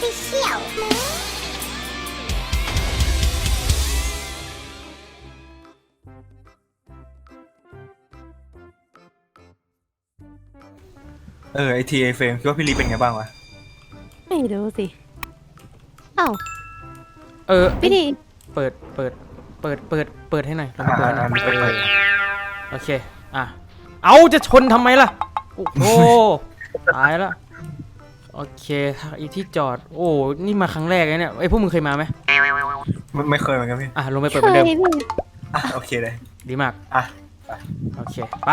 Official ไอทีไอเฟรมคิดว่าพี่ลีเป็นไงบ้างวะไม่รู้สิอ้าวพี่พี่ดีเปิดให้หน่อยลองเปิดหน่อยเปิดโอเคเอาจะชนทำไมล่ะโอ้โหตายแล้วโอเคอีที่จอดโอ้นี่มาครั้งแรกเลยเนี่ยพวกมึงเคยมาไหมไม่เคยเหมือนกันพี่ลงไปเปิดเคเหมือนยเดิมพี่โอเคเลยดีมากอ่ะโอเคไป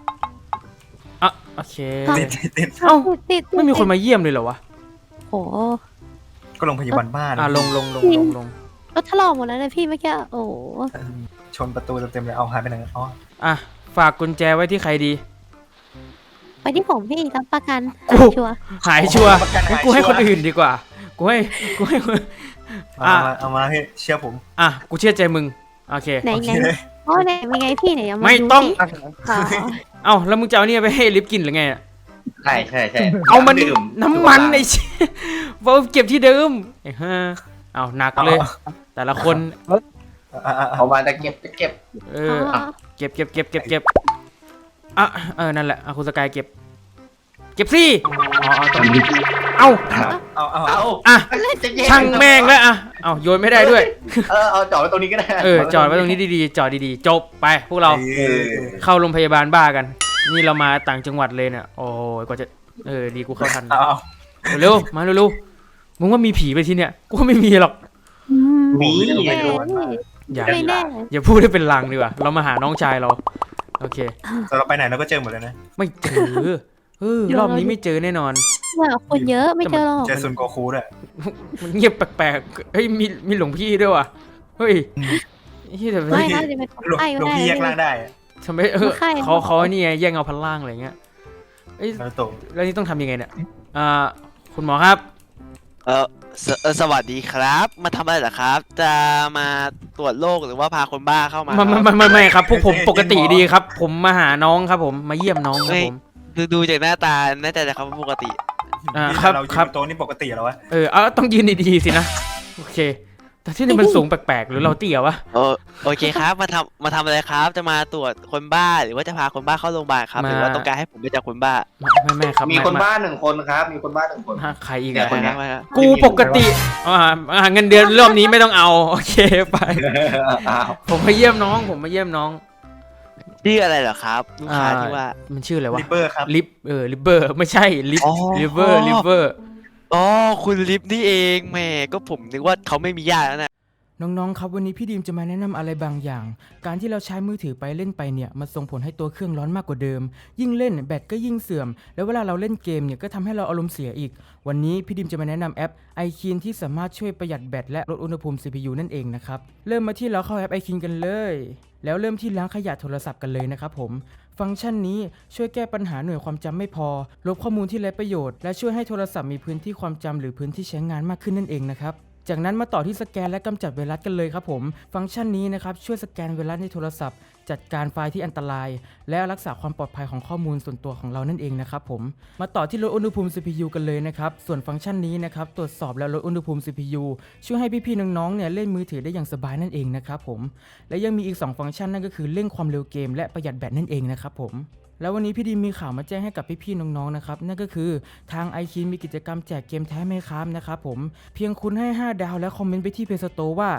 โอเคติดเอ้าติดไม่มีคนมาเยี่ยมเลยเหรอวะโอ้ก็โรงพยาบาลบ้านลงรถถลอกหมดแล้วนะพี่เมื่อกี้โอ้ชนประตูเต็มๆเลยเอาหายไปไหนอ๋อฝากกุญแจไว้ที่ใครดีไปที่ผมพี่รับประกันกูชัวร์หายชัวร์งั้นกูให้คนอื่นดีกว่ากูให้คนเอามาพี่เชื่อผมกูเชื่อใจมึงโอเคไหนโอเคไหนเลยอ๋อไหนเป็นไงพี่ไหนเอามาไม่ดูต้องสิอ๋อแล้วมึงจะเอาเนี่ยไปให้ลิฟต์กินหรือไงอะใช่เอามันดื่มน้ำมันไอ้เชี่ยเอาเก็บที่เดิมไอ้ห่าเอาหนักเลย แต่ละคนเอามาจะเก็บเก็บนั่นแหละคุณสกายเก็บสิเอาเอาช่างแม่งแล้วเอาโยนไม่ได้ด้วยเอาจอดไว้ตรงนี้ก็ได้จอดไว้ตรงนี้ดีๆจอดดีๆจบไปพวกเราเข้าโรงพยาบาลบ้ากัน นี่เรามาต่างจังหวัดเลยเนี่ยโอ้ยกว่าจะดีกูเข้าทัน เร็วมาเร็วมึงว่ามีผีไปที่เนี่ยกูว่าไม่มีหรอกมีแน่พี่อย่าไม่แน่อย่าพูดให้เป็นลางดีกว่าเรามาหาน้องชายเราโอเคแต่เราไปไหนเราก็เจอหมดเลยนะไม่เจอรอบนี้ไม่เจอแน่นอนว่าคนเยอะไม่เจอหรอกเจอซุนโกคูด้วยมันเงียบแปลกๆเฮ้ยมีหลวงพี่ด้วยว่ะเฮ้ยแต่ไม่น่าจะเป็นคนหลวงไข้ก็ได้พี่แยกร่างได้ทำไมใครเขานี่ไงแย่งเอาพันล่างอะไรเงี้ยแล้วโตแล้วนี่ต้องทำยังไงเนี่ยคุณหมอครับสวัสดีครับ มาทำอะไรเหรอครับ จะมาตรวจโรคหรือว่าพาคนบ้าเข้ามาครับไม่ครับพวกผมปกติดีครับ ผมมาหาน้องครับผมมาเยี่ยมน้องครับผมดูจากหน้าตาแน่ใจนะครับว่าปกติครับเราครับโต๊ะนี่ปกติแล้ววะต้องยืนดีๆสินะโอเค แต่ที่นี่มันสูงแปลกๆหรือเราเตี้ยวะโอเคครับ มาทำอะไรครับ จะมาตรวจคนบ้าหรือว่าจะพาคนบ้าเข้าโรงพยาบาลครับ หรือว่าต้องการให้ผมไปจับคนบ้าไม่ครับมีคนบ้าหนึ่งคนครับ มีคนบ้าหนึ่งคนใครอีกเนี่อะยคนเนี้ยกูปกติเงินเดือนรอบนี้ไม่ต้องเอาโอเคไป ผมมาเยี่ยมน้องชื่ออะไรเหรอครับลูกค้าที่ว่ามันชื่ออะไรวะลิปเปอร์ครับลิปเบอร์ไม่ใช่ลิปอ๋อลิเวอร์อ๋อคุณลิฟนี่เองแหมก็ผมนึกว่าเขาไม่มีญาติแล้วนะน้องๆครับวันนี้พี่ดีมจะมาแนะนำอะไรบางอย่าง การที่เราใช้มือถือไปเล่นไปเนี่ยมันส่งผลให้ตัวเครื่องร้อนมากกว่าเดิม ยิ่งเล่นแบตก็ยิ่งเสื่อม แล้วเวลาเราเล่นเกมเนี่ยก็ทำให้เราอารมณ์เสียอีก วันนี้พี่ดิมจะมาแนะนำแอป iKeen ที่สามารถช่วยประหยัดแบตและลดอุณหภูมิ CPU นั่นเองนะครับเริ่มมาที่เราเข้าแอป iKeen กันเลย แล้วเริ่มที่ล้างขยะโทรศัพท์กันเลยนะครับผมฟังก์ชันนี้ช่วยแก้ปัญหาหน่วยความจำไม่พอลบข้อมูลที่ไร้ประโยชน์และช่วยให้โทรศัพท์มีพื้นที่ความจำหรือพื้นที่ใช้งานมากขึ้นนั่นเองนะครับจากนั้นมาต่อที่สแกนและกำจัดไวรัสกันเลยครับผมฟังก์ชันนี้นะครับช่วยสแกนไวรัสในโทรศัพท์จัดการไฟล์ที่อันตรายและรักษาความปลอดภัยของข้อมูลส่วนตัวของเรานั่นเองนะครับผมมาต่อที่ลดอุณหภูมิ CPU กันเลยนะครับส่วนฟังก์ชันนี้นะครับตรวจสอบและลดอุณหภูมิ CPU ช่วยให้พี่ๆน้องๆเนี่ยเล่นมือถือได้อย่างสบายนั่นเองนะครับผมและยังมีอีก2ฟังก์ชันนั่นก็คือเร่งความเร็วเกมและประหยัดแบตนั่นเองนะครับผมแล้ววันนี้พี่ดีมีข่าวมาแจ้งให้กับพี่ๆน้องๆนะครับนั่นก็คือทาง iKeen มีกิจกรรมแจกเกมแท้ไหมครับนะครับผมเพียงคุณให้5 ดาวและคอมเมนต์ไปที่ Play Store ว่า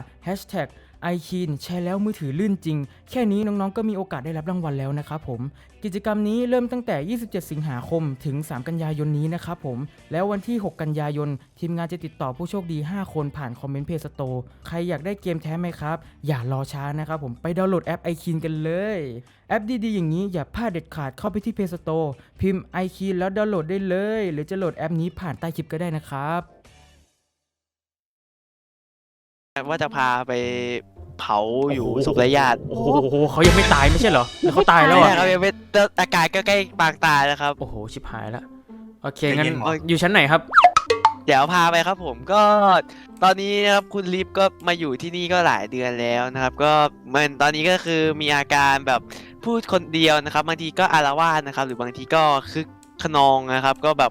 #iKeen ใช้แล้วมือถือลื่นจริงแค่นี้น้องๆก็มีโอกาสได้รับรางวัลแล้วนะครับผมกิจกรรมนี้เริ่มตั้งแต่27 สิงหาคมถึง3 กันยายนนี้นะครับผมแล้ววันที่6 กันยายนทีมงานจะติดต่อผู้โชคดี5 คนผ่านคอมเมนต์ Play Store ใครอยากได้เกมแท้ไหมครับอย่ารอช้านะครับผมไปดาวน์โหลดแอป iKeen กันเลยแอปดีๆอย่างนี้อย่าพลาดเด็ดขาดเข้าไปที่ Play Store พิมพ์ iKeen แล้วดาวน์โหลดได้เลยหรือจะโหลดแอปนี้ผ่านใต้คลิปก็ได้นะครับว่าจะพาไปเผาอยู่ศพไร้ญาติโอ้โหเขายังไม่ตายไม่ใช่เหรอหรือเขาตายแล้วใช่อ่ะครับยังไม่อาการก็ใกล้ปางตายแล้วครับโอ้โหชิบหายแล้วโอเคงั้นอยู่ชั้นไหนครับเดี๋ยวพาไปครับผมก็ตอนนี้นะครับคุณลิฟก็มาอยู่ที่นี่ก็หลายเดือนแล้วนะครับก็มันตอนนี้ก็คือมีอาการแบบพูดคนเดียวนะครับบางทีก็อาละวาดนะครับหรือบางทีก็คึกขนองนะครับก็แบบ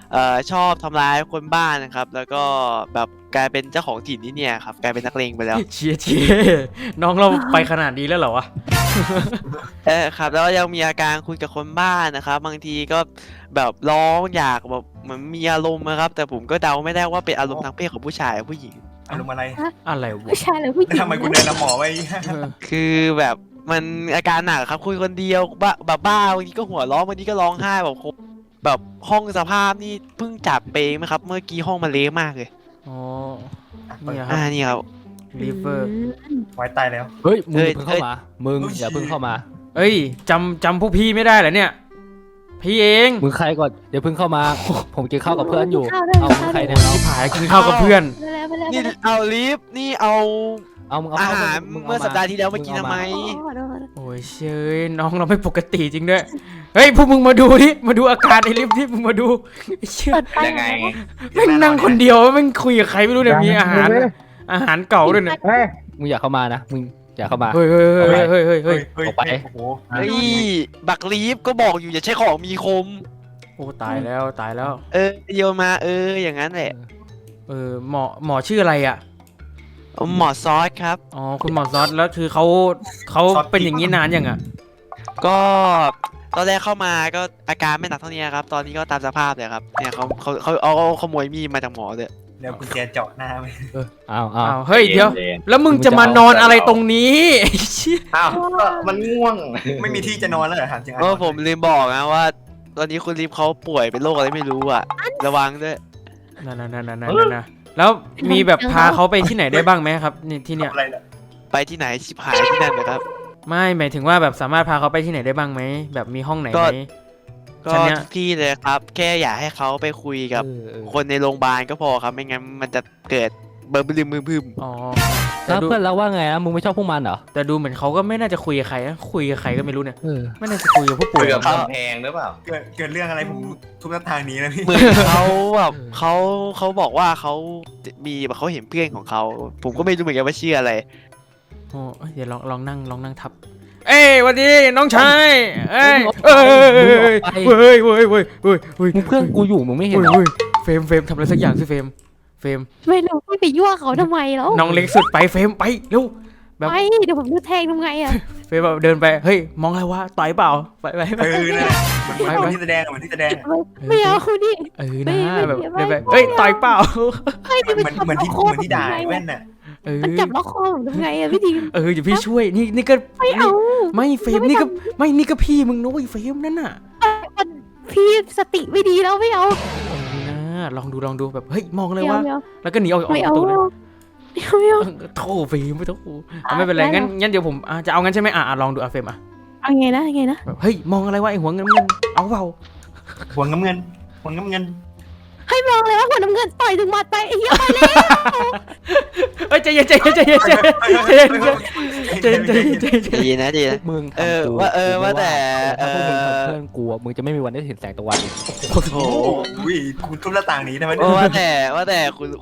ชอบทำร้ายคนบ้านนะครับ แล้วก็แบบกลายเป็นเจ้าของถิ่นที่เนี่ยครับกลายเป็นนักเลงไปแล้วเชียน้องเราไปขนาดนี้แล้วเหรอวะครับแล้วยังมีอาการคุยกับคนบ้านนะครับบางทีก็แบบร้องอยากแบบเหมือนมีอารมณ์นะครับ แต่ผมก็เดาไม่ได้ว่าเป็นอารมณ์ทางเพศของผู้ชายหรือผู้หญิงอารมณ์อะไรอะไรวะผู้ชายหรือผู้หแล้วญิงทำไมคุณเดินนำหมอไว้คือแบบมันอาการหนักครับคุยคนเดียวบ้าบางทีก็หัวร้องบางทีก็ร้องไห้แบบห้องสภาพนี่เพิ่งจับไปไหมครับ เมื่อกี้ห้องมันเละมากเลยอ๋อเนี่ยครับนี่ครับลิเวอร์ไว้ตายแล้วเฮ้ยมึงอย่าเพิ่งเข้ามามึงอย่าเพิ่งเข้ามาเอ้ยจำพวกพี่ไม่ได้เหรอเนี่ย พี่เองมึงใครก่อนเดี๋ยวเพิ่งเข้ามา ผมกินข้าวกับเพื่อนอยู่ข้าวด้วยเอามึงใครข้าวด้เนี่วยยที่ผายกินข้าวกับเพื่อนไปแล้วนี่เอาลิฟต์นี่เอาเอามึงเอาอาข้าวหารมึงเมื่อสัปดาห์ที่แล้วมากินทำไมขอโทษโอ้ยเชยน้องเราไม่ปกติจริงด้วย เฮ้ยพวกมึงมาดูดิมาดูอาการไอ้ลิฟต์ที่มึงมาดูไอ้เชี่ยเปิดไฟยังไงแม่งนั่งคนเดียวแม่งคุยกับใครไม่รู้เนี่ยมีอาหารเก่าด้วยเนี่ยมึงอย่าเข้ามานะมึงอย่าเข้ามาเฮ้ยออกไปโอ้โหเฮ้ยบักลีฟก็บอกอยู่อย่าใช้ของมีคมโอ้ตายแล้วตายแล้วโยนมาอย่างนั้นแหละหมอชื่ออะไรอ่ะหมอซอสครับอ๋อคุณหมอซอสแล้วคือเขาเป็นอย่างนี้นานยังอ่ะก็ตอนแรกเข้ามาก็อาการไม่หนักเท่านี้ครับ ตอนนี้ก็ตามสภาพเลยครับเนี่ยเขาเอาขโมยมีดมาจากหมอเลยเดี๋ยวกุญแจเจาะหน้าไปอ้าวอ้าวเฮ้ยเดี๋ยวแล้วมึงจะมานอนอะไรตรงนี้ไอ้เชี่ยอ้าวก็มันง่วงไม่มีที่จะนอนแล้วเหรอถามจริงก็ผมลืมบอกนะว่า ตอนนี้คุณลิฟเขาป่วยเป็นโรคอะไรไม่รู้อ่ะ ระวังด้วยนั่นแล้วมีแบบพาเขาไปที่ไหนได้บ้างไหมครับนี่ที่เนี่ยอะไรล่ะไปที่ไหนชิบหายที่นั่นนะครับไม่หมายถึงว่าแบบสามารถพาเขาไปที่ไหนได้บ้างไหมแบบมีห้องไหนไหมก็ชั้นเนี้ยทุกที่เลยครับ แค่อยากให้เขาไปคุยกับคนในโรงพยาบาลก็พอครับ ไม่งั้นมันจะเกิดเบอร์บึมบึมอ๋อแล้วเพื่อนเราว่าไงนะมึงไม่ชอบพวกมันเหรอแต่ดูเหมือนเขาก็ไม่น่าจะคุยกับใครนะคุยกับใครก็ไม่รู้เนี่ยเออไม่น่าจะคุยกับผู้ป่วยเกือบกำแพงหรือเปล่าเกิดเรื่องอะไรผมทุกทางนี้นะพี่เหมือนเขาแบบเขาบอกว่าเขามีแบบเขาเห็นเพื่อนของเขา ผมก็ไม่รู้เหมือนกันว่าชื่ออะไรโอ้เดี๋ยวลองนั่งทับ เอ้ยวันนี้น้องชายเอ้ยเฮ้ยมึงเพื่อนกูอยู่มึงไม่เห็นเหรอเฟรมทำอะไรสักอย่างสิเฟรมไม่รู้พี่ไปยั่วเขาทำไมแล้วน้องเล็กสุดไปเฟรมไปเร็ว แบบไปเดี๋ยวผมจะแทงทำไงอ่ะเฟรมแบบเดินไปเฮ้ยมองอะไรวะต่อยเปล่าไปนั่นแหละเหมือนที่แสดงเหมือนที่แสดงไม่เอาคุณดินะแบบเดินไปเฮ้ยต่อยเปล่าเหมือนที่ด่าแว่นน่ะมันจับล็อกคอผมทำไงอ่ะพี่ดีเดี๋ยวพี่ช่วยนี่ก็ไม่เอาไม่เฟรมนี่ก็พี่มึงนุ้ยเฟรมนั่นน่ะพี่สติไม่ดีแล้วไม่เอาลองดูแบบเฮ้ยมองเลไม่ยเอาว่าไม่เอาแล้วก็หนีออกไม่ปเอาระตูเลยไม่เอาโธ่เฟรมไม่ต้องไม่เป็นไรงั้นเดี๋ยวผมจะเอางั้นใช่ไหมลองดูเฟรมเอาไงนะไงนะแบบเฮ้ยมองอะไรวะไอ้หัวเงินเอาเปล่าหัวน้ำเงินให้มองเลยว่าหัวน้ำเงินต่อยถึงหมัดไปไอ้เหี้ยไปเลยเฮ้ยใจเย็นใจเย็นนะใจเย็นนะมึงทำกูว่าแต่ถ้าพวกมึงทำเพื่อนกูอะมึงจะไม่มีวันได้เห็นแสงตะวันอีกโอ้โหคุณทุบหน้าต่างนี้ทำไมว่าแต่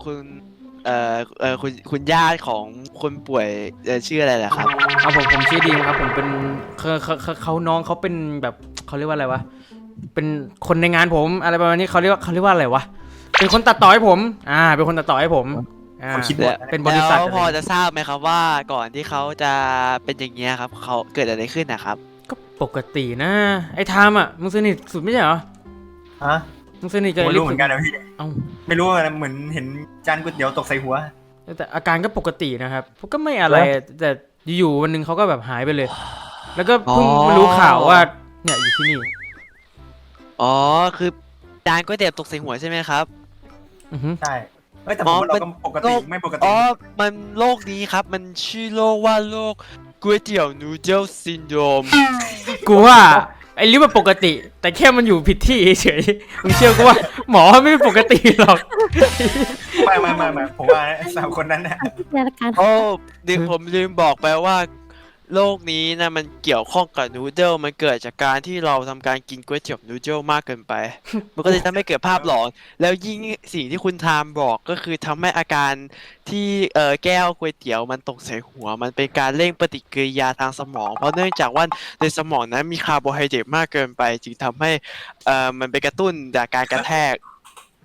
คุณญาติของคนป่วยชื่ออะไรล่ะครับเอาผมชื่อดีมครับผมเป็นเขาน้องเขาเป็นแบบเขาเรียกว่าอะไรวะเป็นคนในงานผมอะไรประมาณนี้เขาเรียกว่าอะไรวะเป็นคนตัดต่อให้ผมเป็นคนตัดต่อให้ผมคนคิดบทเป็นบริษัทแล้วพอจะทราบไหมครับว่าก่อนที่เขาจะเป็นอย่างเงี้ยครับเขาเกิดอะไรขึ้นนะครับก็ปกตินะไอ้ไทม์มึงสนิทสุดไม่ใช่เหรอฮะมึงสนิทกับไม่ไอ้ลิรู้ฟเหมือนกันนะพี่เอ้าไม่รู้เหมือนเห็นจานก๋วยเตี๋ยวตกใส่หัวแต่อาการก็ปกตินะครับผมก็ไม่อะไรแต่อยู่วันหนึงเขาก็แบบหายไปเลย แล้วก็เพิ่งมารู้ข่าวว่าเนี่ยอยู่ที่นี่อ๋อคือจานก๋วยเตี๋ยวตกใส่หัวใช่ไหมครับใช่แต่ผมว่าเราก็ปกติไม่ปกติอ๋อมันโรคนี้ครับมันชื่อโรคว่าโรคก๋วยเตี๋ยวนูเดิลซินโดรมกูว่าไอ้ลิฟมันปกติ แต่แค่มันอยู่ผิดที่เฉยมึงเชื่อกูว่าหมอไม่ปกติหรอกไม่ผมว่า3 คนนั้นน่ะในรายการโอ้เดี๋ยวผมลืมบอกไปว่าโรคนี้นะมันเกี่ยวข้องกับนูเดิลมันเกิดจากการที่เราทำการกินก๋วยเตี๋ยวนูเดิลมากเกินไป มันก็เลยทำให้เกิดภาพหลอนแล้วยิ่งสิ่งที่คุณทามบอกก็คือทำให้อาการที่แก้วก๋วยเตี๋ยวมันตกใส่หัวมันเป็นการเร่งปฏิกิริยาทางสมอง เพราะเนื่องจากว่าในสมองนั้นมีคาร์โบไฮเดรตมากเกินไปจึงทำให้มันไปกระตุ้นจากการกระแทก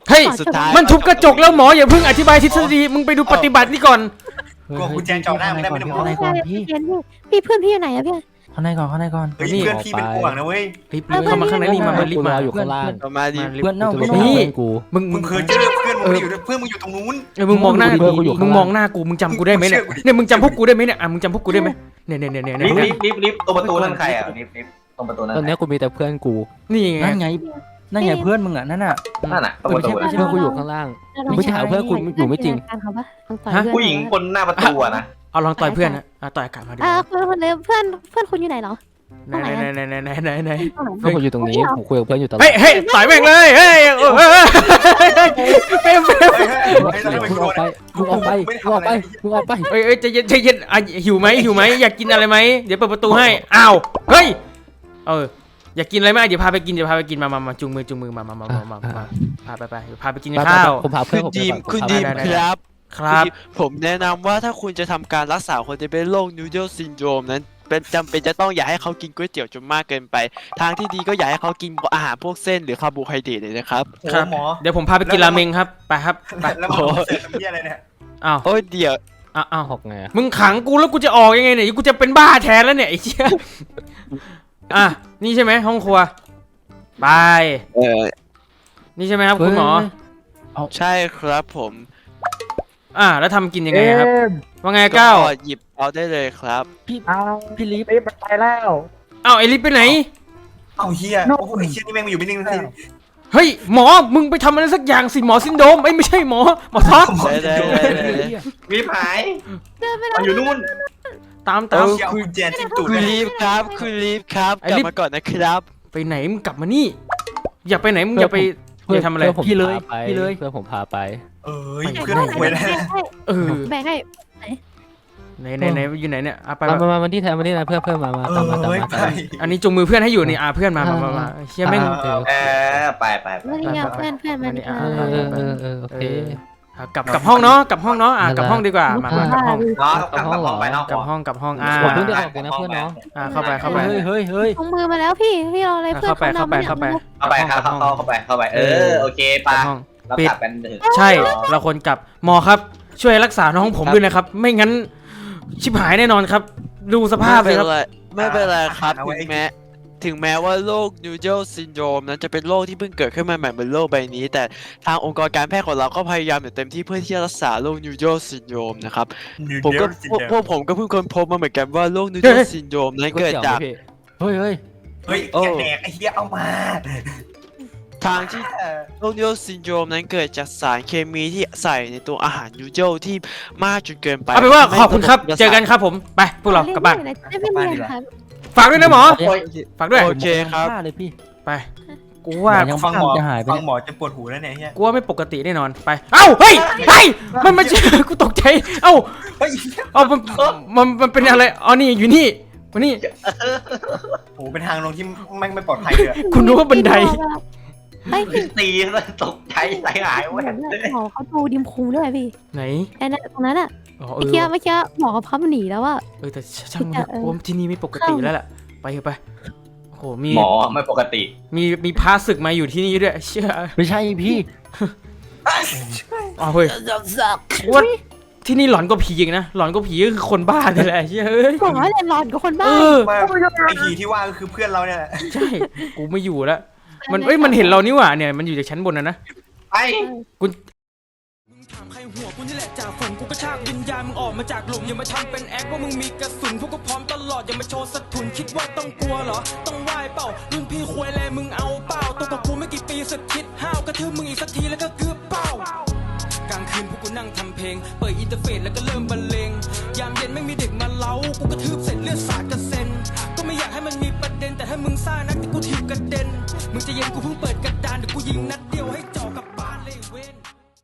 เฮ้ยสุดท้ายมันทุบกระจกแล้วหมออย่าเพิ่งอธิบายทฤษฎีมึงไปดูปฏิบัตินี่ก่อนกลัวกุญแจจ่อหน้ามึงได้ไหมเนี่ยหมอข้างในก่อนพี่พี่เพื่อนพี่อยู่ไหนอะพี่ข้างในก่อนข้างในก่อนเฮ้ยเพื่อนพี่เป็นห่วงนะเว้ยรีบเข้ามาข้างในนี่มารีบมาอยู่ข้างล่างประมาณนี้เพื่อนเน่านี่เพื่อนกูมึงมึงเคยเจอเพื่อนมึงอยู่เพื่อนมึงอยู่ตรงนู้นมึงมองหน้าเพื่อนกูอยู่มึงข้างล่างมองหน้ากูมึงจำกูได้ไหมเนี่ยมึงเชื่อกูดิเนี่ยมึงจำพวกกูได้ไหมเนี่ยมึงจำพวกกูได้ไหมเนี่ยลิฟต์ตรงประตูนั่นใครอ่ะลิฟต์ตรงประตูนั่นตอนนี้กูมีแต่เพื่อนกูนี่ไงนั่นไงนั่นไงเพื่อนมึงอ่ะนั่นอ่ะนั่นน่ะตรงประตูไม่ใช่เพื่อนกูอยู่ข้างล่าง ไม่ใช่หาเพื่อนคุณอยู่ไม่จริงผู้หญิงคนหน้าประตูอะนะเอาลองต่อยเพื่อนนะต่อยอากาศมาดิคนเลยเพื่อนคุณอยู่ไหนเหรอไหนเพื่อนกูอยู่ตรงนี้ผมคุยกับเพื่อนอยู่ตลอดเฮ้ยต่อยแม่งเลยเฮ้ยเฟมมึงออกไปมึงออกไปมึงออกไปมึงออกไปเฮ้ยใจเย็นหิวไหมอยากกินอะไรไหมเดี๋ยวเปิดประตูให้อ้าวเฮ้ยอยากกินอะไรไหมเดี๋ยวพาไปกินมาจูงมือมาพาไปกินข้าวผมพาเพื่อนผมคุณดีมครับครับผมแนะนำว่าถ้าคุณจะทำการรักษาคนที่เป็นโรคนูโดลซินโดรมนั้นเป็นจำเป็นจะต้องอย่าให้เขากินก๋วยเตี๋ยวจนมากเกินไป ทางที่ดีก็อย่าให้เขากินอาหารพวกเส้นหรือคาร์โบไฮเดรตเลยนะครับครับหมอเดี๋ยวผมพาไปกินราเมงครับไปครับไปแล้วหมอเสร็จทำเหี้ยอะไรเนี่ยอ้าวโอ้ยเดี๋ยวอ้าวออกไงมึงขังกูแล้วกูจะออกยังไงเนี่ยกูจะเป็นบ้าแทนแล้วเนี่ยไอ้เชี่ยนี่ใช่ไหมห้องครัวไปนี่ใช่ไหมครับคุณหมอใช่ครับผมแล้วทำกินยังไงครับว่าไงก้าวหยิบเอาได้เลยครับพี่ลิฟมันไปแล้วอ้าวไอลิฟไปไหนเอาเฮียโอ้โหไอ้เชี่ยนี่แม่งมาอยู่ไม่นิ่งทีเฮ้ยหมอมึงไปทำอะไรสักอย่างสิหมอซินโดรมไม่ใช่หมอท็อปได้รีบหายเดินไปมันอยู่นู่นตามเอาเชี่ยเอากุญแจจิ้มตูดคุณเลยลีฟครับคุณลีฟครับกลับมาก่อนนะครับไปไหนมึงกลับมานี่อย่าไปไหนมึงอย่าไปอย่าทำอะไรพี่เลยพี่เลยเพื่อนผมพาไปเอ้ยเพื่อนคุยแล้วแบ่งให้ไหนอยู่ไหนเนี่ยไปมาที่แทนมาที่ไหนเพื่อนมาตามมาอันนี้จุงมือเพื่อนให้อยู่นี่เพื่อนมาเชี่ยแม่งไปไม่ได้เพื่อนมาโอเคกลับห้องเนาะกลับห้องเนาะกลับห้องดีกว่ามากลับห้องเนาะกลับห้องไปนอกกลับห้องผมเพิ่งได้ออกเลยนะเพื่อนเนาะเข้าไปเฮ้ยลงมือมาแล้วพี่เราอะไรเพื่อนเข้าไปเข้าไปโอเคปะเรากลับกันถึงใช่เราคนกลับหมอครับช่วยรักษาน้องผมด้วยนะครับไม่งั้นชิบหายแน่นอนครับดูสภาพเลยครับไม่เป็นไรครับถึงแม้ว่าโรคนูโดลซินโดรมนั้นจะเป็นโรคที่เพิ่งเกิดขึ้นมาใหม่บนโลกใบนี้แต่ทางองค์กรการแพทย์ของเราก็พยายามอย่างเต็มที่เพื่อที่จะรักษาโรคนูโดลซินโดรมนะครับพวกผมก็เพิ่งค้นพบมาเหมือนกันว่าโรคนูโดลซินโดรมนั้นเกิดจากเฮ้ยเฮ้ยแดกไอ้เหี้ยเอามาทางที่โรคนูโดลซินโดรมนั้นเกิดจากสารเคมีที่ใส่ในตัวอาหารนูโดลที่มากจนเกินไปเอาเป็นว่าขอบคุณครับเจอกันครับผมไปพวกเรากลับบ้านไม่เรียนครับฝากด้วยนะหมอฝากด้วยโอเคครับเลยพี่ไปกูว่ายังฟังหมอจะหายไปฟังหมอจะปวดหูแล้วเนี่ยเฮียกูว่าไม่ปกติแน่นอนไปเอ้าเฮ้ยมันไม่ใช่กูตกใจเอ้าเฮ้ยมันเป็นอะไรอ๋อนี่อยู่นี่วันนี้โอ้เป็นทางลงที่แม่งไม่ปลอดภัยเลยคุณรู้ว่าบันไดตีตกใจใจหายเว้ยหมอเขาดูดิมคูด้วยพี่ไหนไอ้นั่นตรงนั้นอ่ะอ๋อเมื่อกี้หมอเขาพับหนีแล้วว่าแต่ช่างมันผมที่นี่ไม่ปกติแล้วแหละไปเถอะไปโอ้โหมีหมอไม่ปกติมีพาศึกมาอยู่ที่นี่ด้วยเชื่อไม่ใช่พี่อ๋อเฮ้ยว่าที่นี่หลอนก็ผีอีกนะหลอนก็ผีก็คือคนบ้านี่แหละเชื่อเฮ้ยหมอเรียนหลอนกับคนบ้าไอ้ผีที่ว่าก็คือเพื่อนเราเนี่ยแหละใช่กูไม่อยู่แล้วมันเห็นเรานี่หว่าเนี่ยมันอยู่จากชั้นบนนะไปถามใครหัวกูนี่แหละจากฝนกูกระชากวิญญาณมึงออกมาจากหลุมอย่ามาทำเป็นแอคว่ามึงมีกระสุนพวกกูพร้อมตลอดอย่ามาโชว์สะทุนคิดว่าต้องกลัวเหรอต้องไหวเปล่ารุ่นพี่ควยแลมึงเอาเปล่าตัวกับกูไม่กี่ปีสักคิดห้าวกระทืบมึงอีกสักทีแล้วก็เกือบเป้ากลางคืนพวกกูนั่งทำเพลงเปิดอินเทอร์เฟซแล้วก็เริ่มบรรเลงยามเย็นไม่มีเด็กมาเล้ากูกระทืบเสร็จเลือดสาดกระเซ็นก็ไม่อยากให้มันมีประเด็นแต่ถ้ามึงซ่านักแต่กูถีบกระเด็นมึงจะเย็นกูเพิ่งเปิด